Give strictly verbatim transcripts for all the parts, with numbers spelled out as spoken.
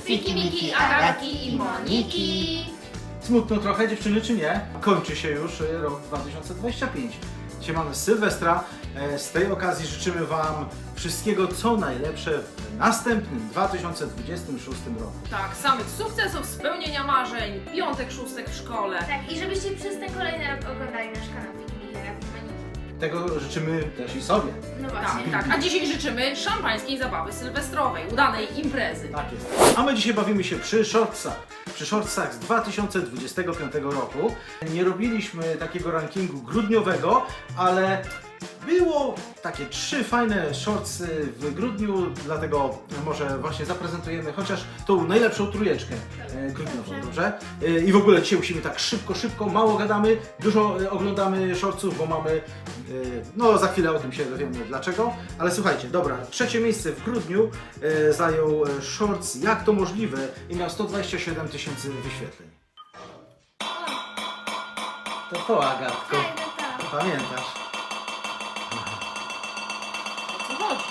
Fiki, Miki, Agatki i Moniki. Smutno trochę, dziewczyny, czy nie? Kończy się już e, rok dwa tysiące dwudziesty piąty. Dzisiaj mamy Sylwestra. E, Z tej okazji życzymy Wam wszystkiego, co najlepsze w następnym dwa tysiące dwudziestym szóstym roku. Tak, samych sukcesów, spełnienia marzeń, piątek, szóstek w szkole. Tak, i żebyście przez ten kolejny rok oglądali nasz kanał Fiki, Miki, Agatki i Moniki. Tego życzymy też i sobie. No Tak, właśnie. tak. A dzisiaj życzymy szampańskiej zabawy sylwestrowej, udanej imprezy. Tak jest. A my dzisiaj bawimy się przy shortsach. Przy shortsach z dwa tysiące dwudziestego piątego roku. Nie robiliśmy takiego rankingu grudniowego, ale było takie trzy fajne shortsy w grudniu, dlatego może właśnie zaprezentujemy chociaż tą najlepszą trójeczkę e, grudniową, dobrze? E, I w ogóle dzisiaj musimy tak szybko, szybko, mało gadamy, dużo e, oglądamy shortsów, bo mamy, e, no za chwilę o tym się dowiemy dlaczego, ale słuchajcie, dobra, trzecie miejsce w grudniu e, zajął e, shorts Jak to możliwe i miał sto dwadzieścia siedem tysięcy wyświetleń. To to, Agatko, Tak, no to. pamiętasz? O co chodzi?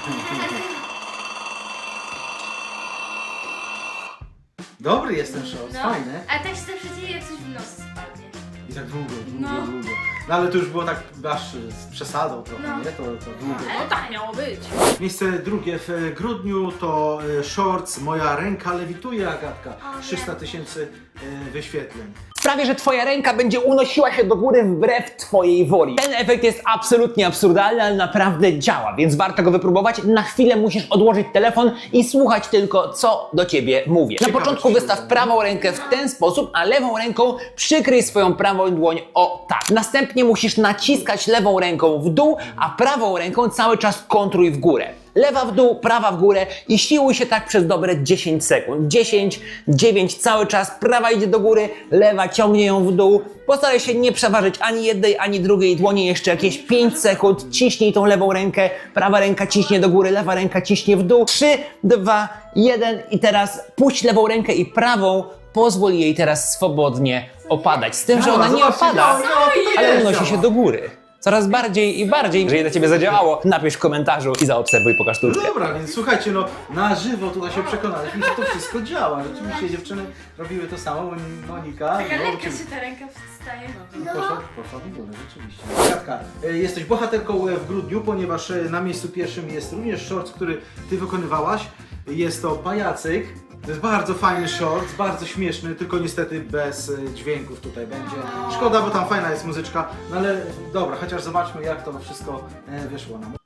Dobry jest ten shorts, No. fajny. A tak się zawsze dzieje, jak coś w nos spadnie. I tak długo, długo, No. długo. No ale to już było tak aż z przesadą trochę, No. nie? To, to długo. No tak miało być. Miejsce drugie w grudniu to e, shorts Moja ręka lewituje, Agatka. O, trzysta tysięcy e, wyświetleń. Sprawię, że twoja ręka będzie unosiła się do góry wbrew twojej woli. Ten efekt jest absolutnie absurdalny, ale naprawdę działa, więc warto go wypróbować. Na chwilę musisz odłożyć telefon i słuchać tylko, co do ciebie mówię. Na Ciekawe, początku czy się wystaw uda. prawą rękę w ten sposób, a lewą ręką przykryj swoją prawą dłoń o tak. Następnie musisz naciskać lewą ręką w dół, a prawą ręką cały czas kontruj w górę. Lewa w dół, prawa w górę i siłuj się tak przez dobre dziesięć sekund. dziesięć, dziewięć, cały czas prawa idzie do góry, lewa ciągnie ją w dół. Postaraj się nie przeważyć ani jednej, ani drugiej dłoni. Jeszcze jakieś pięć sekund. Ciśnij tą lewą rękę, prawa ręka ciśnie do góry, lewa ręka ciśnie w dół. trzy, dwa, jeden i teraz puść lewą rękę i prawą. Pozwól jej teraz swobodnie opadać. Z tym, że ona nie Zobaczcie, opada, no, no, tutaj ale też unosi działa. się do góry. Coraz bardziej i bardziej. Jeżeli na ciebie zadziałało, napisz w komentarzu i zaobserwuj pokaż No sztuczkę. dobra, więc słuchajcie, no na żywo tutaj się przekonaliśmy, że to wszystko działa. Rzeczywiście dziewczyny robiły to samo, Mon- Monika. Taka no, lekka uczy- się ta ręka wstaje. Poszła, poszła w górę, rzeczywiście. Katka, e, jesteś bohaterką e, w grudniu, ponieważ e, na miejscu pierwszym jest również shorts, który ty wykonywałaś. Jest to pajacyk. To jest bardzo fajny shorts, bardzo śmieszny, tylko niestety bez e, dźwięków tutaj będzie. Szkoda, bo tam fajna jest muzyczka, no ale dobra, chociaż zobaczmy jak to wszystko e, wyszło nam.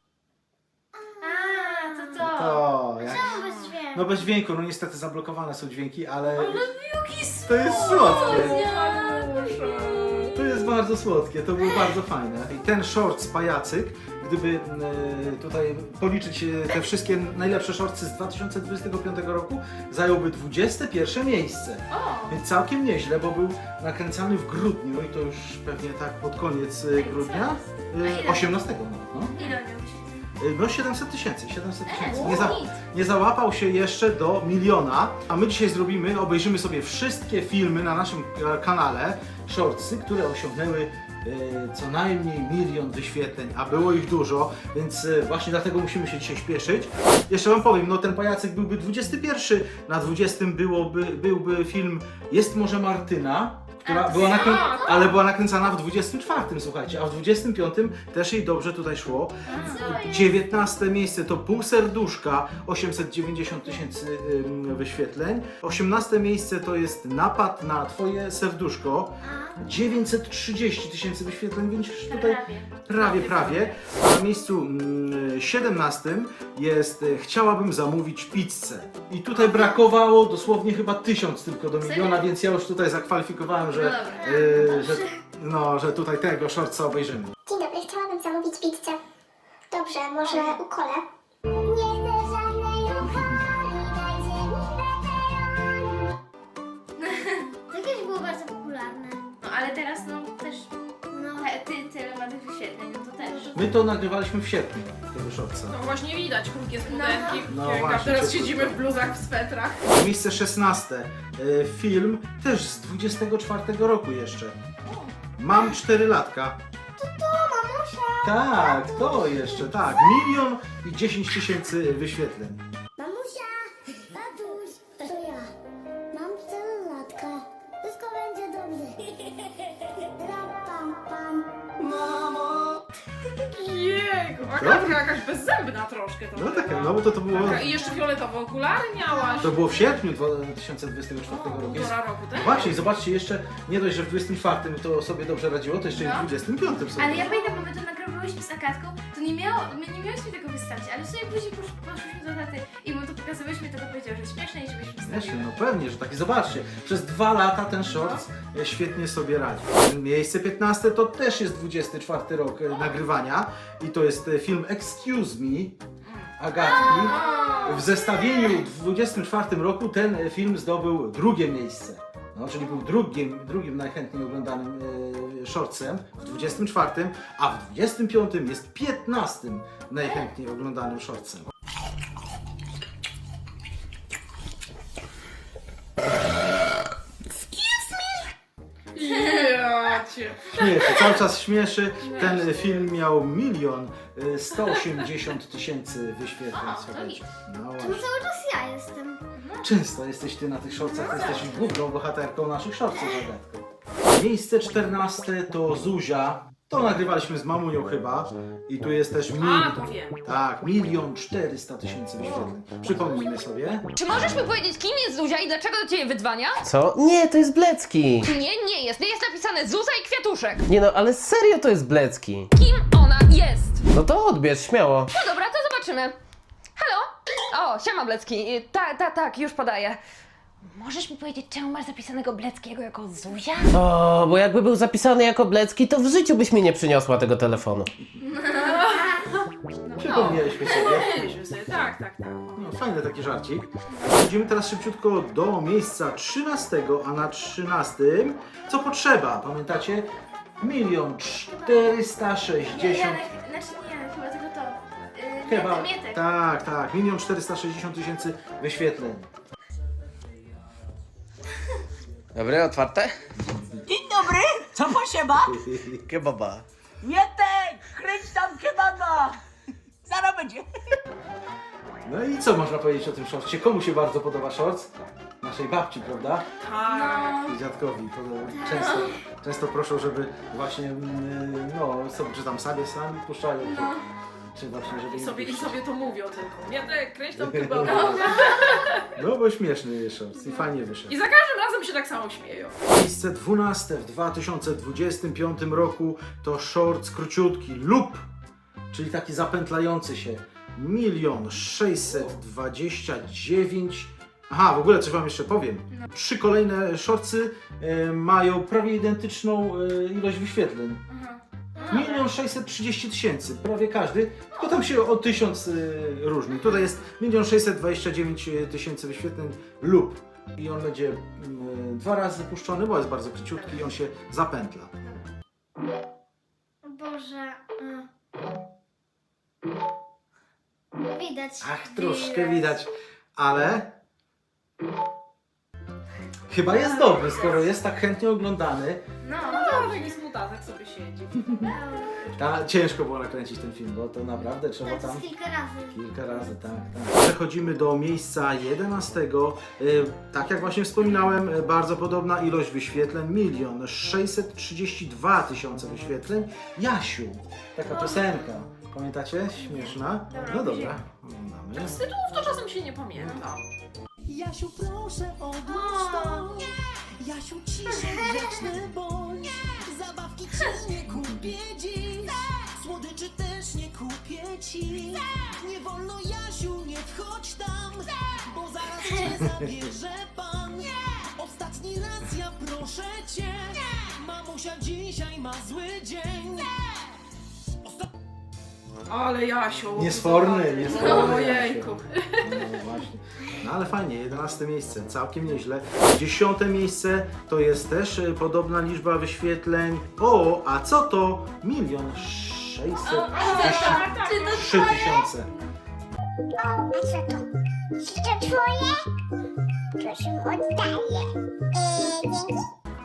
A, to to. To, jak... Czemu bez dźwięku? No bez dźwięku, no niestety zablokowane są dźwięki, ale Jaki to jest słodkie. słodkie. To jest bardzo słodkie, to było bardzo fajne. I ten shorts pajacyk, gdyby e, tutaj policzyć e, te wszystkie najlepsze shortsy z dwa tysiące dwudziestego piątego roku, zająłby dwudzieste pierwsze miejsce. O, Więc całkiem nieźle, bo był nakręcany w grudniu i to już pewnie tak pod koniec e, grudnia. A E, ile? osiemnastego no. ile miał E, No siedemset tysięcy, siedemset tysięcy. E, Nie, za, nic. nie załapał się jeszcze do miliona, a my dzisiaj zrobimy, obejrzymy sobie wszystkie filmy na naszym e, kanale, shortsy, które osiągnęły e, co najmniej milion wyświetleń, a było ich dużo, więc e, właśnie dlatego musimy się dzisiaj śpieszyć. Jeszcze wam powiem, no ten pajacyk byłby dwudziesty pierwszy, na dwudziestym byłoby, byłby film Jest może Martyna, która A, była nakrę... tak. ale była nakręcana w dwudziestym czwartym, słuchajcie, a w dwudziestym piątym też jej dobrze tutaj szło. dziewiętnaste miejsce to Pół serduszka, osiemset dziewięćdziesiąt tysięcy ym, wyświetleń. osiemnaste miejsce to jest Napad na twoje serduszko, dziewięćset trzydzieści tysięcy wyświetleń, więc tutaj Prawie. prawie, prawie. A na miejscu mm, siedemnastym jest y, Chciałabym zamówić pizzę. I tutaj brakowało dosłownie chyba tysiąc tylko do miliona, Serio? więc ja już tutaj zakwalifikowałem, że, No dobra. y, że, no, że tutaj tego shortsa obejrzymy. Dzień dobry, chciałabym zamówić pizzę. Dobrze, może ukolę? Nie chcę żadnej uchwali, dajcie mi pepperoni. To kiedyś było bardzo popularne. No ale teraz no też, no ty, tyle ma tych wyświetleń, no to też. My to nagrywaliśmy w sierpniu, tego shortsa. No właśnie widać krótkie spodenki, No jak właśnie, teraz ciepło siedzimy trochę. w bluzach, w swetrach. Miejsce szesnaste. Y, Film też z dwudziestego czwartego roku jeszcze. Mam cztery latka. Tak, to jeszcze, tak. Milion i dziesięć tysięcy wyświetleń. Mamusia, tatuś, to Taka jakaś bezzębna troszkę to No była. taka, no bo to, to było... Taka, I jeszcze fioletowe okulary miałaś. To było w sierpniu dwa tysiące dwudziestego czwartego roku. Jest... Półtora roku, tak? No właśnie, i zobaczcie, jeszcze nie dość, że w dwudziestym czwartym to sobie dobrze radziło, to jeszcze i w No. dwudziestym piątym sobie. Ale ja pamiętam, bo my to nagrywałyśmy z Agatką, to nie miało, my nie miałyśmy tego wystawić, ale w sumie później posz, poszłyśmy do taty i mu to pokazywałyśmy, to to powiedział, że śmieszne i żebyśmy Śmiesznie, wstawiły. no pewnie, że taki, zobaczcie, przez dwa lata ten shorts e, świetnie sobie radzi. Miejsce piętnaste to też jest dwudziesty czwarty rok e, nagrywania i to jest e, film Excuse Me Agatki. W zestawieniu w dwudziestym czwartym roku ten e, film zdobył drugie miejsce. No, czyli był drugim, drugim najchętniej oglądanym e, shortsem w dwudziestym czwartym, a w dwudziestym piątym jest piętnastym najchętniej oglądanym shortsem. Ja cię. Śmieszy, cały czas śmieszy. Ten film miał milion sto osiemdziesiąt tysięcy wyświetleń. Słuchajcie. No To właśnie. cały czas ja jestem. Często jesteś ty na tych shortsach, ty jesteś główną bohaterką naszych shortsów, Agatko. Miejsce czternaste to Zuzia. To nagrywaliśmy z mamunią chyba. I tu jest też A, milion. to wiem. Tak, milion czterysta tysięcy wyświetleń. Przypomnijmy sobie. Czy możesz mi powiedzieć, kim jest Zuzia i dlaczego do ciebie wydzwania? Co? Nie, to jest Blecki. Nie, nie jest. Jest napisane Zuza i Kwiatuszek. Nie no, ale serio to jest Blecki. Kim ona jest? No to odbierz, śmiało. No dobra, to zobaczymy. Halo? O, siema Blecki. Y, Tak, tak, tak, już podaję. Możesz mi powiedzieć, czemu masz zapisanego Bleckiego jako Zuzia? O, bo jakby był zapisany jako Blecki, to w życiu byś mi nie przyniosła tego telefonu. Przypomnieliśmy sobie. Mieliśmy sobie, tak, tak, tak. No, fajny taki żarcik. Idziemy teraz szybciutko do miejsca trzynastego, a na trzynastym co potrzeba? Pamiętacie? Milion czterysta sześćdziesiąt. Janek, znaczy nie Janek, chyba tylko to. Yy, Chyba. Mietek, Mietek. Tak, tak. Milion czterysta sześćdziesiąt tysięcy wyświetleń. Dobre, otwarte? Dzień dobry, co potrzeba? Kebaba. Mietek, kręć tam kebaba! Zaraz będzie. No i co można powiedzieć o tym shortcie? Komu się bardzo podoba shorts? Naszej babci, prawda? Tak. I dziadkowi. To często, często proszą, żeby właśnie, mm, no, sobie, czy tam sobie sami puszczają, czy, czy właśnie, żeby I im sobie, I puszczać. sobie to mówią tylko. Mietek, kręć tam chyba. No bo śmieszny jest shorts i fajnie wyszedł. I za każdym razem się tak samo śmieją. Miejsce dwunaste w dwa tysiące dwudziestym piątym roku to shorts króciutki lub, czyli taki zapętlający się. Milion sześćset dwadzieścia dziewięć. Aha, w ogóle coś wam jeszcze powiem. Trzy kolejne shortsy e, mają prawie identyczną e, ilość wyświetleń. Milion sześćset trzydzieści tysięcy, prawie każdy, tylko tam się o tysiąc y, różni. Tutaj jest milion sześćset dwadzieścia dziewięć tysięcy wyświetleń lub i on będzie y, dwa razy puszczony, bo jest bardzo króciutki i on się zapętla. Boże. y. Widać. Ach, troszkę widać, ale chyba jest dobry, skoro jest tak chętnie oglądany. No, No, taki smutatek sobie siedzi. Ta, ciężko było nakręcić ten film, bo to naprawdę trzeba to tam... jest kilka razy. Kilka razy, tak, tak. Przechodzimy do miejsca jedenastego. Y, Tak jak właśnie wspominałem, y, bardzo podobna ilość wyświetleń. Milion sześćset trzydzieści dwa tysiące wyświetleń. Jasiu, taka piosenka. Pamiętacie? Śmieszna. No dobra, oglądamy. Z tytułów to czasem się nie pamięta. Jasiu, proszę odłóż to. Jasiu, ciszej, grzeczny bądź. Zabawki ci nie kupię dziś. Słodyczy też nie kupię ci. Nie wolno, Jasiu, nie wchodź tam, bo zaraz cię zabierze pan. Ostatni raz ja proszę cię. Mamusia dzisiaj ma zły dzień. Ale Jasiu. Niesforny, niesforny. Ojejku. Jasiu. No właśnie. No ale fajnie, jedenaste miejsce, całkiem nieźle. Dziesiąte miejsce to jest też y, podobna liczba wyświetleń. O, a co to? Milion sześćset trzydzieści trzy tysiące. O, a co to? Czy to twoje? Proszę, oddaję. Eee, dzięki.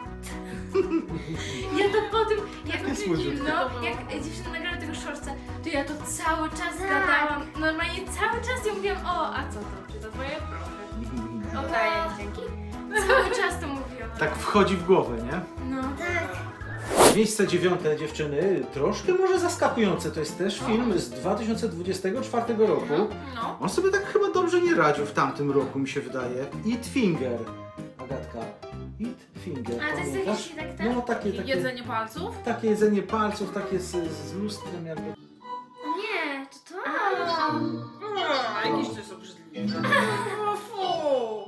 Ja to po tym, jak, słodziutkie. no, jak dziewczyna nagrała tego shortsa, to ja to cały czas gadałam. Normalnie cały czas ja mówiłam, o, a co to? Czy to twoje? Proszę. Oddaję, dzięki. Cały czas to mówiłam. Tak wchodzi w głowę, nie? No. Tak. Miejsce dziewiąte, dziewczyny, troszkę może zaskakujące. To jest też film z dwa tysiące dwudziestego czwartego roku. No. On sobie tak chyba dobrze nie radził w tamtym roku, mi się wydaje. Eat Finger. Agatka. Eat Finger. A to jest pamiętasz? jakieś tak, tak? No takie, takie, Jedzenie palców? takie jedzenie palców, takie z, z lustrem jakby. Nie, to to. A, jakieś to jest obrzydliwe. O, fu.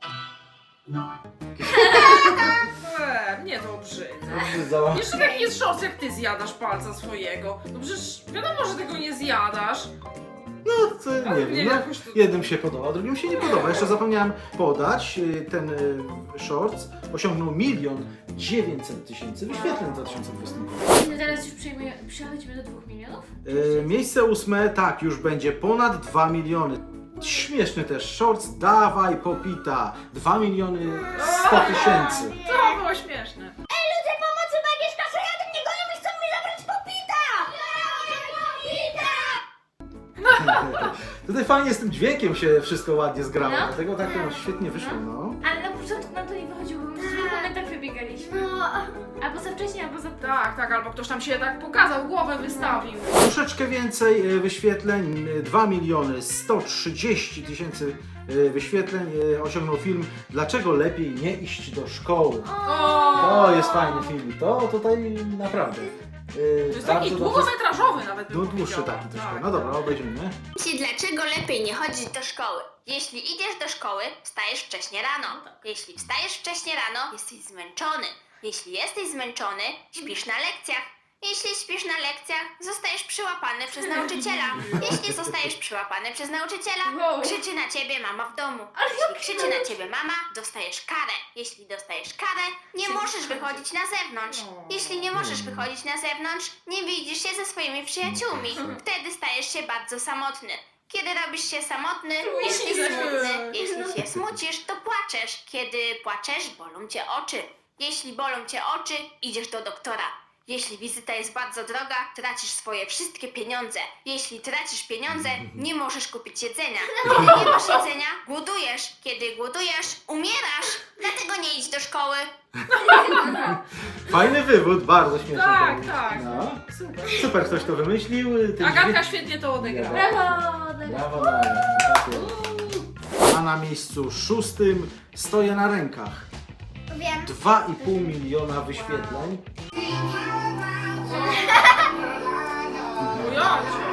E, mnie to obrzydza. Obrzydza. Jeszcze tak jest szos, jak ty zjadasz palca swojego. No przecież wiadomo, że tego nie zjadasz. No to Ale nie nie, wiem, no, jakoś to- jednym się podoba, drugim się nie podoba. Jeszcze zapomniałem podać, y, ten y, shorts osiągnął milion dziewięćset tysięcy wyświetleń w dwa tysiące dwudziestym roku. No teraz już przejmuje, przechodzimy do dwóch milionów? Y, miejsce ósme, tak, już będzie ponad dwa miliony. Śmieszny też shorts, dawaj popita, dwa miliony sto tysięcy. To było śmieszne. Ludzie pomocy, bo jakieś kaszajaty mnie gonią i chcą mi zabrać popita! Tutaj fajnie z tym dźwiękiem się wszystko ładnie zgrało, No. dlatego tak to świetnie wyszło, no. Ale na początku nam to nie wychodziło, bo my w dwóch momentach wybiegaliśmy. No, albo za wcześnie, albo za późno. Tak, tak, albo ktoś tam się tak pokazał, głowę wystawił. Troszeczkę więcej e, wyświetleń, e, dwa miliony sto trzydzieści tysięcy e, wyświetleń e, osiągnął film Dlaczego lepiej nie iść do szkoły. To jest fajny film, to tutaj naprawdę. e, To jest taki bardzo dobrze- długometrażowy nawet bym No, dłuższy powiedziała. taki troszkę. Tak, No dobra, tak. obejrzyjmy. Jeśli dlaczego lepiej nie chodzić do szkoły? Jeśli idziesz do szkoły, wstajesz wcześnie rano. Jeśli wstajesz wcześnie rano, jesteś zmęczony. Jeśli jesteś zmęczony, śpisz na lekcjach. Jeśli śpisz na lekcjach, zostajesz przyłapany przez nauczyciela. Jeśli zostajesz przyłapany przez nauczyciela, Wow. krzyczy na ciebie mama w domu. Jeśli krzyczy na ciebie mama, dostajesz karę. Jeśli dostajesz karę, nie możesz wychodzić na zewnątrz. Jeśli nie możesz wychodzić na zewnątrz, nie widzisz się ze swoimi przyjaciółmi. Wtedy stajesz się bardzo samotny. Kiedy robisz się samotny, jesteś smutny. Jeśli się smucisz, to płaczesz. Kiedy płaczesz, bolą cię oczy. Jeśli bolą cię oczy, idziesz do doktora. Jeśli wizyta jest bardzo droga, tracisz swoje wszystkie pieniądze. Jeśli tracisz pieniądze, nie możesz kupić jedzenia. Kiedy nie masz jedzenia, głodujesz. Kiedy głodujesz, umierasz. Dlatego nie idź do szkoły. Fajny wywód, bardzo śmieszny. Tak, to był. tak. No. Super. Super, ktoś to wymyślił. Ten Agatka dźwięk- świetnie to odegrała. Brawo! Brawo, brawo. Tak jest. A na miejscu szóstym stoję na rękach. Wiem. dwa i pół miliona wyświetleń. O ja cię.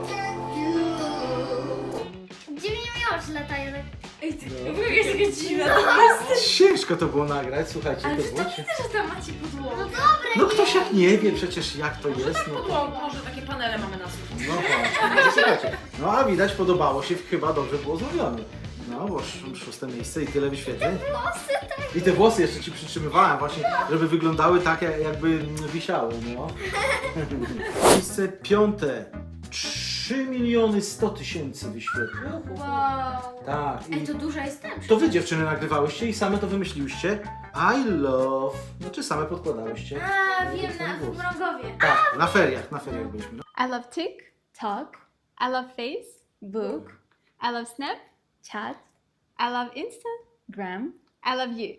Gdzie mnie miało oczy latają? tak- Ej, ty, No. w ogóle jest taka dziwna, to jest... Ciężko to było nagrać, słuchajcie, Ale to wy to było widzę, że tam macie podłogę. No No ktoś jak nie wie przecież jak to jest, no to... Podłogu, może takie panele mamy na suficie. No właśnie, słuchajcie. No a widać podobało się, chyba dobrze było zrobione. No bo sz- szóste miejsce i tyle wyświetleń. I te włosy jeszcze ci przytrzymywałem właśnie, żeby wyglądały tak jak- jakby mm, wisiały, no. Miejsce piąte. trzy miliony sto tysięcy wyświetleń. Wow. Tak. Ej, I to duża jest tam. to wy dziewczyny nagrywałyście i same to wymyśliłyście. I love. Znaczy same podkładałyście. A, do wiem, swoich na włosów. Mrągowie. Tak, na feriach, na feriach byliśmy. No. I love TikTok. I love Facebook. I love Snapchat. I love Instagram. I love you.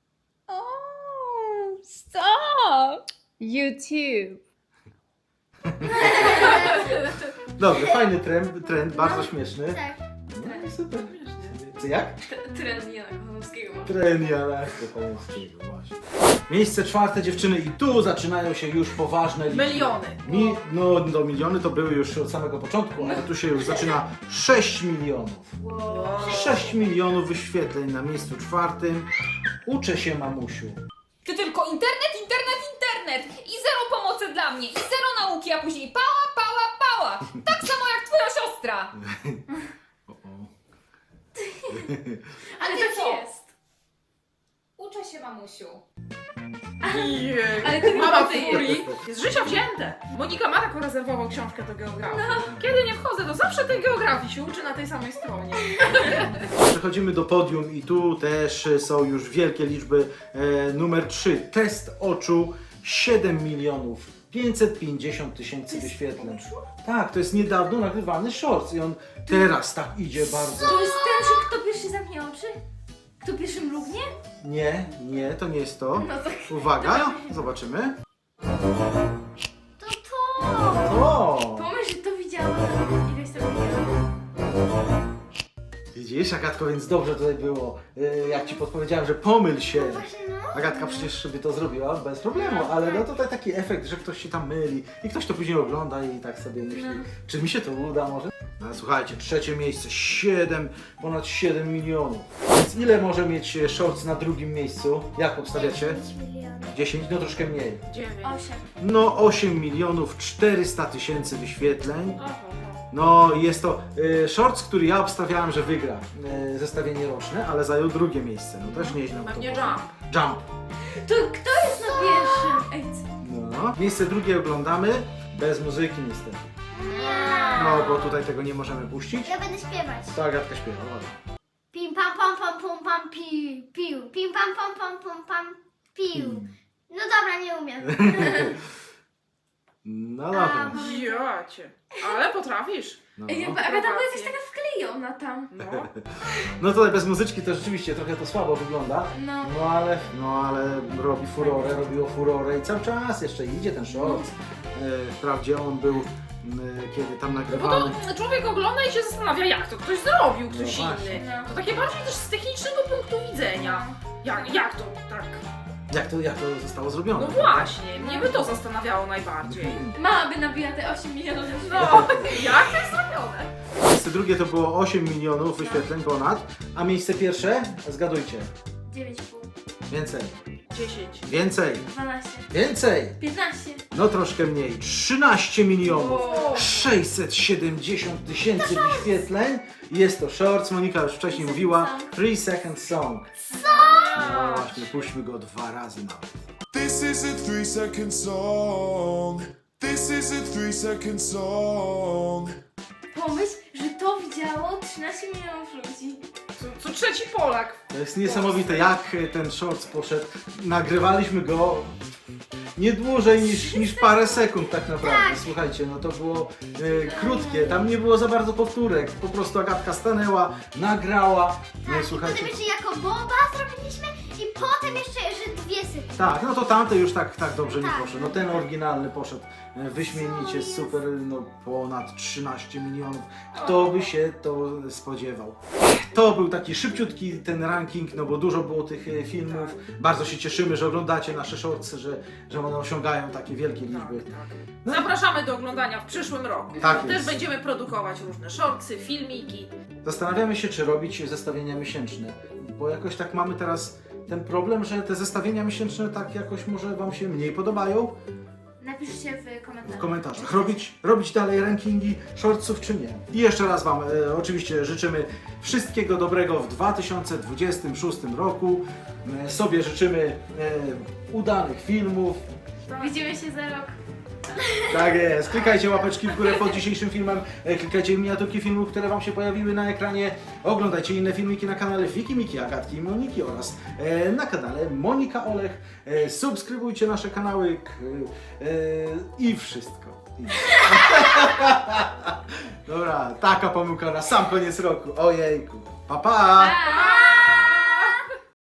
Oh, stop! YouTube. Dobrze, fajny trend, trend bardzo śmieszny. Tak. No i super. Co jak? Tren Jana Kochanowskiego ma. Trend Jana Kochanowskiego, właśnie. Miejsce czwarte, dziewczyny, i tu zaczynają się już poważne liczby. Miliony. Mi, no, do miliony to były już od samego początku, ale tu się już zaczyna sześć milionów. sześć milionów wyświetleń na miejscu czwartym. Uczę się, mamusiu. Ty tylko internet, internet, internet! I zero pomocy dla mnie, i zero nauki, a później pała, pała, pała! Tak samo jak twoja siostra! O, o. Ale ty tak co? jest. Uczę się, mamusiu. Jej. Ale ty Mama ty furii. Jest z życia wzięte. Monika ma taką rezerwową książkę do geografii. Kiedy nie wchodzę, to zawsze tej geografii się uczy na tej samej stronie. Przechodzimy do podium i tu też są już wielkie liczby. E, numer trzy. Test oczu. siedem milionów pięćset pięćdziesiąt tysięcy wyświetleń. Tak, to jest niedawno nagrywany shorts i on teraz tak idzie bardzo. To jest ten, że kto pierwszy zamknie oczy? Kto pierwszy mrugnie? Nie, nie, to nie jest to. No tak. Uwaga, zobaczymy. To to! O! Pomyśl, że to widziałam. Ileś to widziałam. Widzisz, Agatko, więc dobrze tutaj było. Yy, Jak ci podpowiedziałem, że pomyl się. Agatka przecież by to zrobiła bez problemu, ale no tutaj taki efekt, że ktoś się tam myli i ktoś to później ogląda i tak sobie myśli, czy mi się to uda może? No, słuchajcie, trzecie miejsce, siedem, ponad siedem milionów. Więc ile może mieć shorts na drugim miejscu? Jak obstawiacie? dziesięć, no troszkę mniej. dziewięć. Osiem. No osiem milionów czterysta tysięcy wyświetleń. Oho. No jest to y, shorts, który ja obstawiałem, że wygra y, zestawienie roczne, ale zajął drugie miejsce. No też nieźle. mu to Pewnie poszło. Jump. Jump. To kto jest na pierwszym? Ej, co? No. Miejsce drugie oglądamy bez muzyki niestety. No bo tutaj tego nie możemy puścić. Ja będę śpiewać. To Agatka śpiewa. ładnie. Pim pam pam pam pum pam piu piu. Pim pam pam pam pum pam piu. No dobra, nie umiem. No dobra. Jocie. Ale potrafisz. No. Ej, jakby Agata była jakaś taka wklejona tam. No. no tutaj bez muzyczki to rzeczywiście trochę to słabo wygląda. No. No ale, no ale robi furorę, robiło furorę i cały czas jeszcze idzie ten shorts. E, Wprawdzie on był, m, kiedy tam No bo nagrywany. to człowiek ogląda i się zastanawia, jak to ktoś zrobił, ktoś No właśnie. inny. To takie bardziej też z technicznego punktu widzenia. Jak, jak to tak? Jak to, jak to zostało zrobione? No właśnie, mnie by to zastanawiało najbardziej. Mama by nabiła te osiem milionów. No, jak to jest zrobione? Miejsce drugie to było osiem milionów wyświetleń ponad, a miejsce pierwsze? Zgadujcie. dziewięć i pół. Więcej. dziesięć. Więcej. dwanaście. Więcej. piętnaście. No troszkę mniej. trzynaście milionów. O. sześćset siedemdziesiąt tysięcy wyświetleń. Jest to shorts, Monika już wcześniej mówiła. three second song. No właśnie, puśćmy go dwa razy nawet. This is a three second song. This is a three second song. Pomyśl, że to widziało trzynaście milionów ludzi. Co, co trzeci Polak. To jest niesamowite, jak ten shorts poszedł. Nagrywaliśmy go nie dłużej niż, niż parę sekund tak naprawdę. Słuchajcie, no to było e, krótkie, tam nie było za bardzo powtórek. Po prostu Agatka stanęła, nagrała. No i słuchajcie. Potem jeszcze jako boba zrobiliśmy i potem jeszcze, że dwie sekundy. Tak, no to tamte już tak, tak dobrze nie Tak. poszedł. No ten oryginalny poszedł e, wyśmienicie, super, no ponad trzynaście milionów. Kto by się to spodziewał? To był taki szybciutki ten ranking, no bo dużo było tych e, filmów. Bardzo się cieszymy, że oglądacie nasze shortsy, że, że one osiągają takie wielkie liczby. No. Zapraszamy do oglądania w przyszłym roku. Tak Też jest. będziemy produkować różne shortsy, filmiki. Zastanawiamy się, czy robić zestawienia miesięczne, bo jakoś tak mamy teraz ten problem, że te zestawienia miesięczne tak jakoś może Wam się mniej podobają. Napiszcie w komentarzach. W komentarzach. Robić, robić dalej rankingi shortsów czy nie. I jeszcze raz Wam e, oczywiście życzymy wszystkiego dobrego w dwa tysiące dwudziestym szóstym roku. E, sobie życzymy e, udanych filmów. Widzimy się za rok. Tak jest. Klikajcie łapeczki w górę pod dzisiejszym filmem. E, Klikajcie miniaturki filmów, które Wam się pojawiły na ekranie. Oglądajcie inne filmiki na kanale Wiki, Miki, Agatki i Moniki oraz e, na kanale Monika Olech. E, subskrybujcie nasze kanały k, e, i wszystko. I... Dobra, taka pomyłka na sam koniec roku. Ojejku. Pa, pa! Pa!